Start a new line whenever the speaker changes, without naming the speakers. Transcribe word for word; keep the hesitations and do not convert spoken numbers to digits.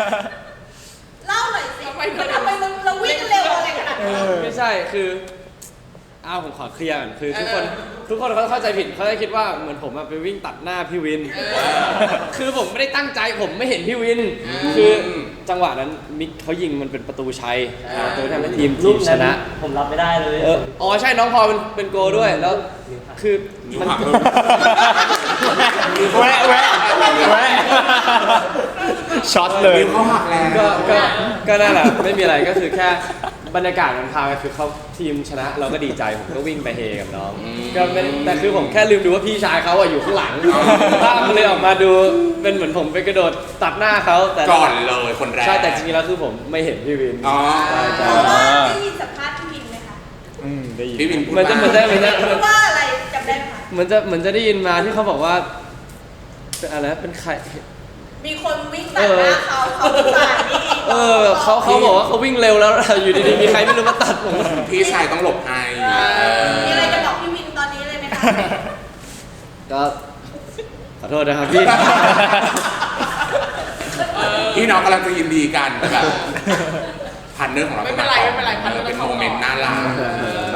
เล่าหน่อยสิทำไมทำไมมึงเราวิ่งเร็วอะไรขนาดนั้น
ไม่ใช่คืออ้าวผมขอเคลียร์ก่อนคือทุกคนทุกคนเขาเข้าใจผิดเขาจะคิดว่าเหมือนผมไปวิ่งตัดหน้าพี่วินคือผมไม่ได้ตั้งใจผมไม่เห็นพี่วินคือจังหวะนั้นมิกเขายิงมันเป็นประตูชัยประตูทำให้ทีมทีมชนะ
ผมรับไม่ได้เลย
เอออ๋อใช่น้องพอเป็นเป็นโกด้วยแล้วคือมัน
แวะแวะแวะช็อตเลย
เขาหักแล้ว
ก็ก็ก็นั่นแหละไม่มีอะไรก็คือแค่บรรยากาศมันพาไปคือเขาทีมชนะเราก็ดีใจผมก็วิ่งไปเฮกับน้องก็ไม่แต่คือผมแค่ลืมดูว่าพี่ชายเขาอะอยู่ข้างหลังภาพมันเลยออกมาดูเป็นเหมือนผมไปกระโดดตัดหน้าเขาแต่
ก่อนเลยคนแรก
ใช่แต่จริงๆแล้วคือผมไม่เห็นพี่วิน
อ๋อ
ใช่ใช่
เพราะว่าได้ยินสัมภาษณ์พี่วินไหมคะ
อืมได้ยิน
พี่วินพูด
เหมือนจะเหมือนจะเหมือนจะ
พูดว่าอะไรจำได้ไหมคะ
เหมือนจะเหมือนจะได้ยินมาที่เขาบอกว่าเป็นอะไรนะเป็นใคร
มีคนวิ่งตัดหน้าเขาเขาสายนี่
เออเขาเขาบอกว่าเขาวิ่งเร็วแล้ว อยู่ดีๆมีใครไม่รู้มาตัดผม
พี่ชายต้องหลบให้
มีอะไรจะบอกพี่วินตอนนี้เลยไหมคะ
ก็ขอโทษนะครับพี่
พี่น้องกำลังจะยินดีกันแบบพันเนอร์ของเรา
ไม่เป็นไรไม่เป็นไรพันเนอร์
เป็นโมเมนต์น่ารัก